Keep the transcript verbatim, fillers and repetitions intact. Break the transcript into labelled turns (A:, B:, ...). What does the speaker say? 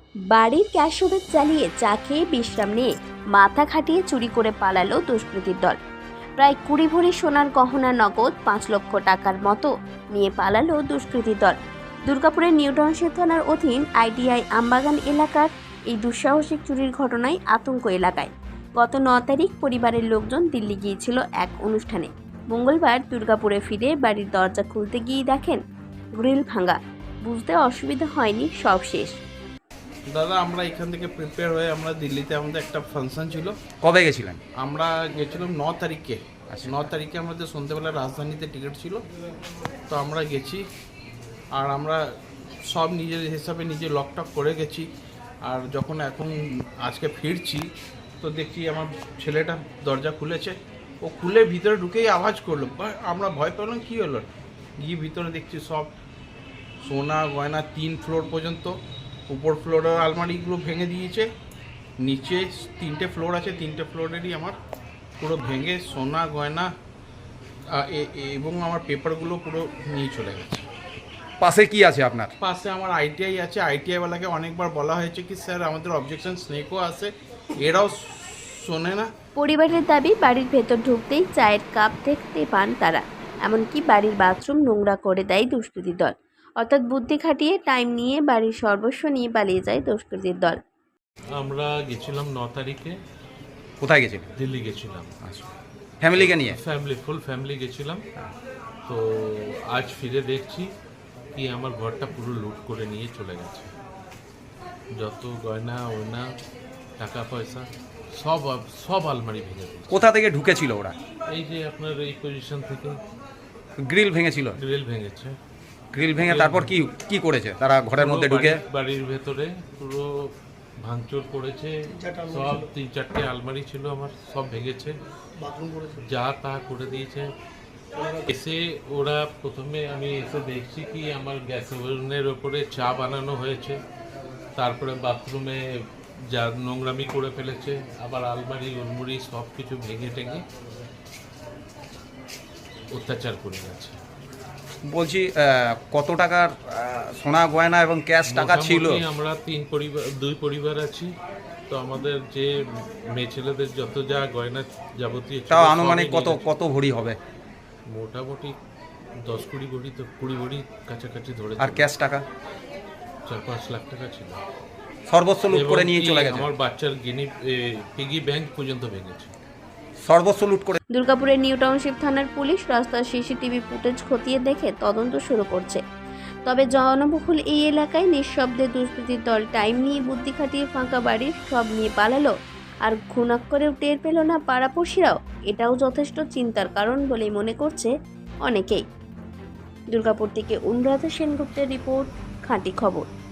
A: বাড়ির gas oven জ্বালিয়ে চা খেয়ে বিশ্রাম নিয়ে মাথা খাটিয়ে চুরি করে পালালো দুষ্কৃতীর দল। প্রায় কুড়ি ভরি সোনার গহনা, নগদ পাঁচ লক্ষ টাকার মতো নিয়ে পালালো দুষ্কৃতীর দল। দুর্গাপুরের নিউ টাউনশিপ থানার অধীন আইটিআই আমবাগান এলাকার এই দুঃসাহসিক চুরির ঘটনায় আতঙ্ক এলাকায়। গত ন তারিখ পরিবারের লোকজন দিল্লি গিয়েছিল এক অনুষ্ঠানে। মঙ্গলবার দুর্গাপুরে ফিরে বাড়ির দরজা খুলতে গিয়ে দেখেন গ্রিল ভাঙা। বুঝতে অসুবিধা হয়নি, সব শেষ।
B: দাদা, আমরা এখান থেকে প্রিপেয়ার হয়ে আমরা দিল্লিতে আমাদের একটা ফাংশন ছিল।
C: কবে গেছিলেন?
B: আমরা গেছিলাম ন তারিখে। ন তারিখে আমাদের সন্ধ্যেবেলা রাজধানীতে টিকিট ছিল, তো আমরা গেছি। আর আমরা সব নিজের হিসাবে নিজে লকটক করে গেছি। আর যখন এখন আজকে ফিরছি তো দেখছি আমার ছেলেটা দরজা খুলেছে। ও খুলে ভিতরে ঢুকেই আওয়াজ করলো, আমরা ভয় পেলাম কী হলো। গিয়ে ভিতরে দেখছি সব সোনা গয়না তিন ফ্লোর পর্যন্ত। উপর ফ্লোরের আলমারিগুলো ভেঙে দিয়েছে, নিচে তিনটে ফ্লোর আছে, তিনটে ফ্লোরেরই আমার পুরো ভেঙে সোনা গয়না এবং আমার পেপারগুলো পুরো নিয়ে চলে গেছে।
C: পাশে কি আছে আপনার?
B: পাশে আমার আইটিআই আছে। আইটিআইওয়ালাকে অনেকবার বলা হয়েছে কি স্যার আমাদের অবজেকশন স্নেকও আছে, এরাও শোনে না।
A: পরিবারের দাবি, বাড়ির ভেতর ঢুকতেই চায়ের কাপ দেখতে পান তারা। এমনকি বাড়ির বাথরুম নোংরা করে দেয় দুষ্কৃতীর দল। অর্থাৎ বুদ্ধি খাটিয়ে টাইম নিয়ে বাড়ির সর্বস্ব নিয়ে পালিয়ে যায় দুষ্কৃতীর দল।
D: আমরা গেছিলাম ন তারিখে।
C: কোথায় গেছিলেন?
D: দিল্লি গেছিলাম।
C: আচ্ছা, ফ্যামিলিকে নিয়ে?
D: ফ্যামিলি, ফুল ফ্যামিলি গেছিলাম। তো আজ ফিরে দেখছি কি আমার ঘরটা পুরো লুট করে নিয়ে চলে গেছে। যত গয়না ওয়না টাকা পয়সা সব সব আলমারি ভেঙে দিয়েছে।
C: কোথা থেকে ঢুকেছিল ওরা?
D: এই যে আপনার এই পজিশন থেকে
C: গ্রিল ভেঙেছিল?
D: গ্রিল ভেঙেছে।
C: গ্রিল ভেঙে তারপর কি কি করেছে তারা? ঘরের মধ্যে ঢুকে
D: বাড়ির ভেতরে পুরো ভাঙচুর করেছে। সব তিন চারটে আলমারি ছিল আমার, সব ভেঙেছে, যা তা করে দিয়েছে। এসে ওরা প্রথমে আমি এসে দেখছি কি আমার গ্যাস ওভেনের ওপরে চা বানানো হয়েছে, তারপরে বাথরুমে যা নোংরামি করে ফেলেছে, আবার আলমারি উলমুড়ি সব কিছু ভেঙে টেঙে অত্যাচার করে গেছে।
C: বলছি কত টাকার সোনা গয়না এবং ক্যাশ টাকা ছিল?
D: আমরা তিন পরিবার, দুই পরিবার আছি, তো আমাদের যে মেয়ে ছেলেদের যত যা গয়না যাবতীয়
C: তাও আনুমানিক কত কত ভরি হবে?
D: মোটামুটি দশ কুড়ি ভরি, তো কুড়ি ভরি কাছাকাছি ধরে।
C: আর ক্যাশ টাকা
D: চার পাঁচ লাখ টাকা ছিল।
C: সর্বস্ব লুট করে নিয়ে চলে গেছে।
D: আমার বাচ্চার গিনি পিগি ব্যাংক পর্যন্ত ভেঙেছে।
C: সর্বস্ব লুট করে।
A: দুর্গাপুরের নিউ টাউনশিপ থানার পুলিশ রাস্তার সিসিটিভি ফুটেজ খতিয়ে দেখে তদন্ত শুরু করছে। তবে জনবহুল এই এলাকায় নিঃশব্দে দুষ্কৃতীর দল টাইম নিয়ে বুদ্ধি খাটিয়ে ফাঁকা বাড়ির সব নিয়ে পালালো, আর ঘুণাক করেও টের পেল না পাড়াপড়শিরাও। এটাও যথেষ্ট চিন্তার কারণ বলেই মনে করছে অনেকেই। দুর্গাপুর থেকে অনুরাধা সেনগুপ্তের রিপোর্ট, খাঁটি খবর।